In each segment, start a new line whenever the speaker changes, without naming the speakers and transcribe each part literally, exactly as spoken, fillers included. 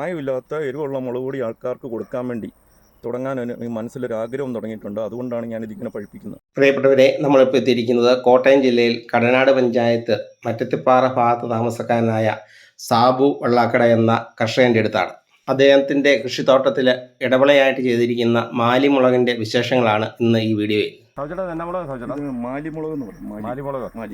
മായമില്ലാത്ത എരിവുള്ള മുളക് പൊടി ആൾക്കാർക്ക് കൊടുക്കാൻ വേണ്ടി തുടങ്ങാൻ മനസ്സിലൊരാഗ്രഹം തുടങ്ങിയിട്ടുണ്ട്. അതുകൊണ്ടാണ് ഞാൻ ഇതിങ്ങനെ പഠിപ്പിക്കുന്നത്.
പ്രിയപ്പെട്ടവരെ, നമ്മളിപ്പോൾ എത്തിയിരിക്കുന്നത് കോട്ടയം ജില്ലയിൽ കടനാട് പഞ്ചായത്ത് മറ്റത്തിപ്പാറ ഭാഗത്ത് താമസക്കാരനായ സാബു വെള്ളാക്കട എന്ന കർഷകൻ്റെ അടുത്താണ്. അദ്ദേഹത്തിൻ്റെ കൃഷിത്തോട്ടത്തിൽ ഇടവിളയായിട്ട് ചെയ്തിരിക്കുന്ന മാലിമുളകിൻ്റെ വിശേഷങ്ങളാണ് ഇന്ന് ഈ വീഡിയോയിൽ.
മാലിമുളക് എന്ന് പറയും.
മാലിമുളക്
മാലി.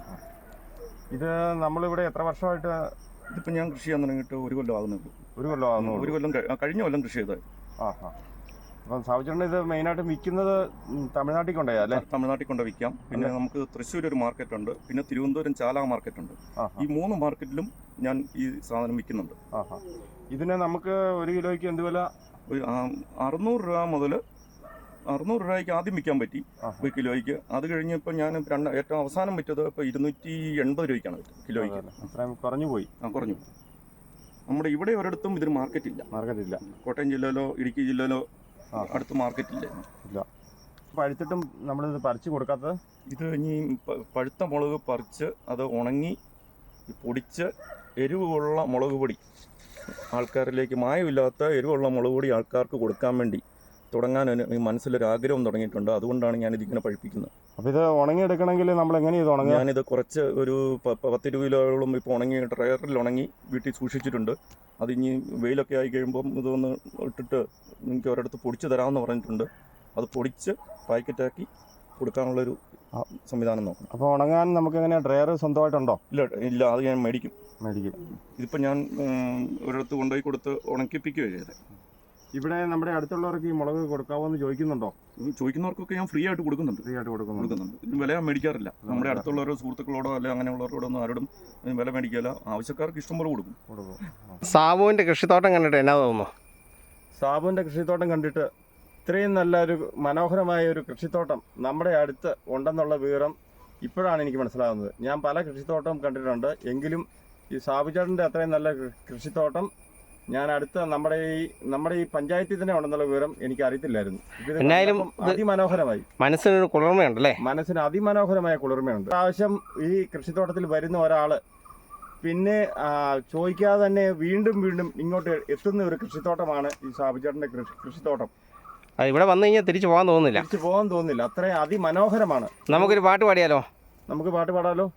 ഇത് നമ്മളിവിടെ എത്ര വർഷമായിട്ട്?
ഇതിപ്പോൾ ഞാൻ കൃഷി ചെയ്യാൻ തുടങ്ങിയിട്ട് ഒരു കൊല്ലം ആകുന്നുള്ളൂ.
ഒരു കൊല്ലം ആകുന്നു.
ഒരു കൊല്ലം കഴിഞ്ഞ കൊല്ലം കൃഷി ചെയ്തത്.
ആ ഹാ അപ്പം സാബുചേട്ടൻ ഇത് മെയിനായിട്ട് വിൽക്കുന്നത് തമിഴ്നാട്ടിൽ കൊണ്ടുപോയാ അല്ലേ?
തമിഴ്നാട്ടിൽ കൊണ്ട് വിൽക്കാം. പിന്നെ നമുക്ക് തൃശ്ശൂർ ഒരു മാർക്കറ്റ് ഉണ്ട്, പിന്നെ തിരുവനന്തപുരം ചാല മാർക്കറ്റ് ഉണ്ട്. ഈ മൂന്ന് മാർക്കറ്റിലും ഞാൻ ഈ സാധനം വിൽക്കുന്നുണ്ട്.
ആ ഹാ ഇതിന് നമുക്ക് ഒരു കിലോയ്ക്ക് എന്ത് വില?
ഒരു അറുന്നൂറ് രൂപ മുതൽ അറുന്നൂറ് രൂപയ്ക്ക് ആദ്യം വിൽക്കാൻ പറ്റി ഒരു കിലോയ്ക്ക്. അത് കഴിഞ്ഞ് ഇപ്പം ഞാൻ രണ്ട് ഏറ്റവും അവസാനം വിറ്റത് ഇപ്പോൾ ഇരുന്നൂറ്റി എൺപത് രൂപയ്ക്കാണ് കിലോയ്ക്ക്.
അത്രയും കുറഞ്ഞു പോയി.
ആ കുറഞ്ഞു. നമ്മുടെ ഇവിടെ ഒരിടത്തും ഇതിന് മാർക്കറ്റ് ഇല്ല.
മാർക്കറ്റ് ഇല്ല.
കോട്ടയം ജില്ലയിലോ ഇടുക്കി ജില്ലയിലോ അടുത്ത് മാർക്കറ്റ് ഇല്ല.
ഇല്ല. പഴുത്തിട്ടും നമ്മളിത് പറിച്ച് കൊടുക്കാത്തത്?
ഇത് ഇനി പഴുത്ത മുളക് പറിച്ച് അത് ഉണങ്ങി പൊടിച്ച് എരിവുള്ള മുളക് പൊടി ആൾക്കാരിലേക്ക്, മായമില്ലാത്ത എരിവുള്ള മുളക് പൊടി ആൾക്കാർക്ക് കൊടുക്കാൻ വേണ്ടി തുടങ്ങാൻ മനസ്സിലൊരാഗ്രഹം തുടങ്ങിയിട്ടുണ്ട്. അതുകൊണ്ടാണ് ഞാൻ ഇതിങ്ങനെ പഠിപ്പിക്കുന്നത്.
അപ്പോൾ ഇത് ഉണങ്ങിയെടുക്കണമെങ്കിൽ നമ്മൾ എങ്ങനെ ഇത് ഉണങ്ങുക?
ഞാനിത് കുറച്ച് ഒരു പത്ത് ഇരുപത് കിലോയോളം ഇപ്പോൾ ഉണങ്ങി ഡ്രയറിൽ ഉണങ്ങി വീട്ടിൽ സൂക്ഷിച്ചിട്ടുണ്ട്. അത് ഇനി വെയിലൊക്കെ ആയി കഴിയുമ്പം ഇതൊന്ന് ഇട്ടിട്ട് എനിക്ക് ഒരിടത്ത് പൊടിച്ച് തരാമെന്ന് പറഞ്ഞിട്ടുണ്ട്. അത് പൊടിച്ച് പാക്കറ്റാക്കി കൊടുക്കാനുള്ളൊരു സംവിധാനം നോക്കണം.
അപ്പോൾ ഉണങ്ങാൻ നമുക്ക് എങ്ങനെ ഡ്രയർ സ്വന്തമായിട്ടുണ്ടോ?
ഇല്ല ഇല്ല അത് ഞാൻ മേടിക്കും.
മേടിക്കും.
ഇതിപ്പോൾ ഞാൻ ഒരിടത്ത് കൊണ്ടുപോയി കൊടുത്ത് ഉണക്കിപ്പിക്കുകയാണ് ചെയ്തത്.
ഇവിടെ നമ്മുടെ അടുത്തുള്ളവർക്ക് ഈ മുളക് കൊടുക്കാമോ എന്ന് ചോദിക്കുന്നുണ്ടോ?
ചോദിക്കുന്നവർക്കൊക്കെ ഞാൻ ഫ്രീ ആയിട്ട് കൊടുക്കുന്നുണ്ട്.
ഫ്രീ ആയിട്ട് കൊടുക്കുന്നുണ്ട്.
ഇതിന് വില മേടിക്കാറില്ല. നമ്മുടെ അടുത്തുള്ളവരോ സുഹൃത്തുക്കളോടോ അല്ലെങ്കിൽ അങ്ങനെയുള്ളവരോടൊന്നും ആരോടും വില മേടിക്കില്ല. ആവശ്യക്കാർക്ക് ഇഷ്ടം പോലെ കൊടുക്കും.
സാബുവിൻ്റെ കൃഷിത്തോട്ടം കണ്ടിട്ട് എന്നാ തോന്നുന്നു?
സാബുവിൻ്റെ കൃഷിത്തോട്ടം കണ്ടിട്ട് ഇത്രയും നല്ലൊരു മനോഹരമായ ഒരു കൃഷിത്തോട്ടം നമ്മുടെ അടുത്ത് ഉണ്ടെന്നുള്ള വിവരം ഇപ്പോഴാണ് എനിക്ക് മനസ്സിലാകുന്നത്. ഞാൻ പല കൃഷിത്തോട്ടം കണ്ടിട്ടുണ്ട്, എങ്കിലും ഈ സാബുചേട്ടൻ്റെ അത്രയും നല്ല കൃഷിത്തോട്ടം ഞാൻ അടുത്ത നമ്മുടെ ഈ നമ്മുടെ ഈ പഞ്ചായത്തിൽ തന്നെ ഉണ്ടെന്നുള്ള വിവരം എനിക്ക് അറിയത്തില്ലായിരുന്നു.
എന്നായാലും
അതിമനോഹരമായി,
മനസ്സിനൊരു കുളിർമയുണ്ടല്ലേ?
മനസ്സിന് അതിമനോഹരമായ കുളിർമയുണ്ട്. പ്രാവശ്യം ഈ കൃഷിത്തോട്ടത്തിൽ വരുന്ന ഒരാള് പിന്നെ ചോദിക്കാതെ തന്നെ വീണ്ടും വീണ്ടും ഇങ്ങോട്ട് എത്തുന്ന ഒരു കൃഷിത്തോട്ടമാണ് ഈ സാബുചേട്ടൻ്റെ കൃഷി കൃഷിത്തോട്ടം.
ഇവിടെ വന്നു കഴിഞ്ഞാൽ തിരിച്ചു പോകാൻ തോന്നുന്നില്ല.
തിരിച്ചു പോകാൻ തോന്നുന്നില്ല, അത്രയും അതിമനോഹരമാണ്.
നമുക്കൊരു പാട്ട് പാടിയാലോ?
നമുക്ക് പാട്ട് പാടാലോ.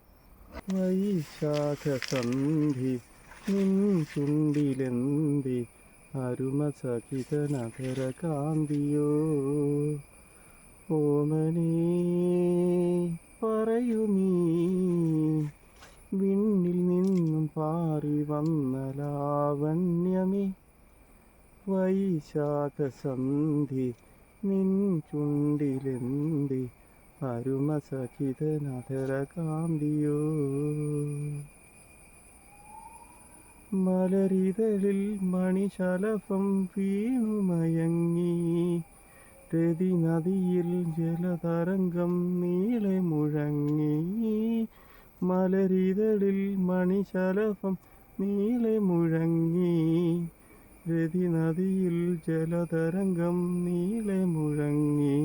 വൈശാഖസന്ധി നിൻ ചുണ്ടിലെന്തി അരുമ സഖിതനധര കാന്തിയോ ഓമനേ പറയൂ നീ വിണ്ണിൽ നിന്നും പാറി വന്ന ലാവണ്യമേ. വൈശാഖസന്ധി നിൻ ചുണ്ടിലെന്തി അരുമ സഖിതനധര കാന്തിയോ. മലരിതളിൽ മണിശലഭം വീണുമയങ്ങി രതി നദിയിൽ ജലതരംഗം നീളെ മുഴങ്ങി. മലരിതളിൽ മണിശലഭം നീളെ മുഴങ്ങി രതി നദിയിൽ ജലതരംഗം നീളെ മുഴങ്ങി.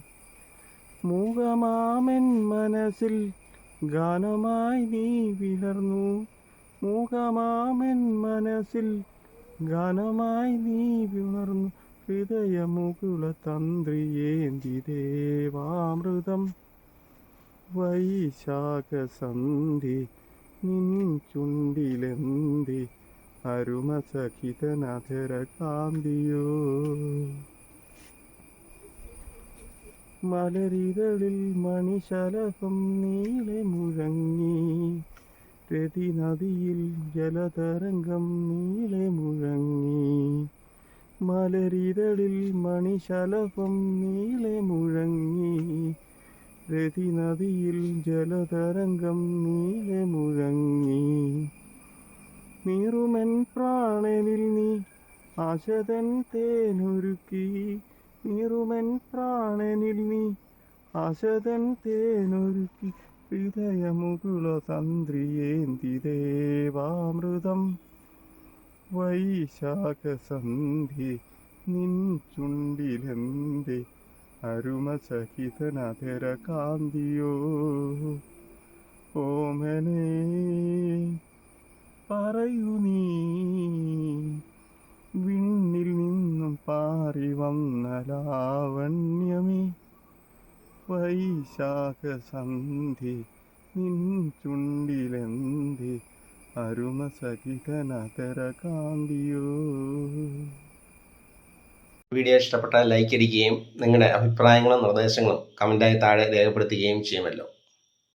മൂകമാമൻ മനസ്സിൽ ഗാനമായി നീ വിടർന്നു. മൂകമാമൻ മനസ്സിൽ ഗാനമായി നീ വിടർന്നു. ഹൃദയമുകുള തന്ത്രിയേന്തി ദേവാമൃതം. വൈശാഖസന്ധി നിൻ ചുണ്ടിലെന്തി അരുമ സഖിതനധര കാന്തിയോ. മലരിതളിൽ മണിശലഭം നീളെ മുഴങ്ങി രതി നദിയിൽ ജലതരംഗം നീളെ മുഴങ്ങി. മലരിതളിൽ മണിശലഭം നീളെ മുഴങ്ങി രതി നദിയിൽ ജലതരംഗം നീളെ മുഴങ്ങി. നീറുമെൻ പ്രാണനിൽ നീ ആശതൻ തേനൊരുക്കി. നീറുമെൻ പ്രാണനിൽ നീ ആശതൻ തേനൊരുക്കി. ഹൃദയമുകുള തന്ത്രിയേന്തി ദേവാമൃതം. വൈശാഖസന്ധി നിൻ ചുണ്ടിലെന്തി അരുമ സഹിതനധര കാന്തിയോ. ഓമനേ പറയൂ നീ മോഹനലാവണ്യമേ വൈശാഖ സന്ധി നിൻ ചുണ്ടിലെന്തി അരുമ സഹിതനതര കാന്തിയോ.
വീഡിയോ ഇഷ്ടപ്പെട്ടാൽ ലൈക്ക് അടിക്കുകയും നിങ്ങളുടെ അഭിപ്രായങ്ങളും നിർദ്ദേശങ്ങളും കമൻറ്റായി താഴെ രേഖപ്പെടുത്തുകയും ചെയ്യുമല്ലോ.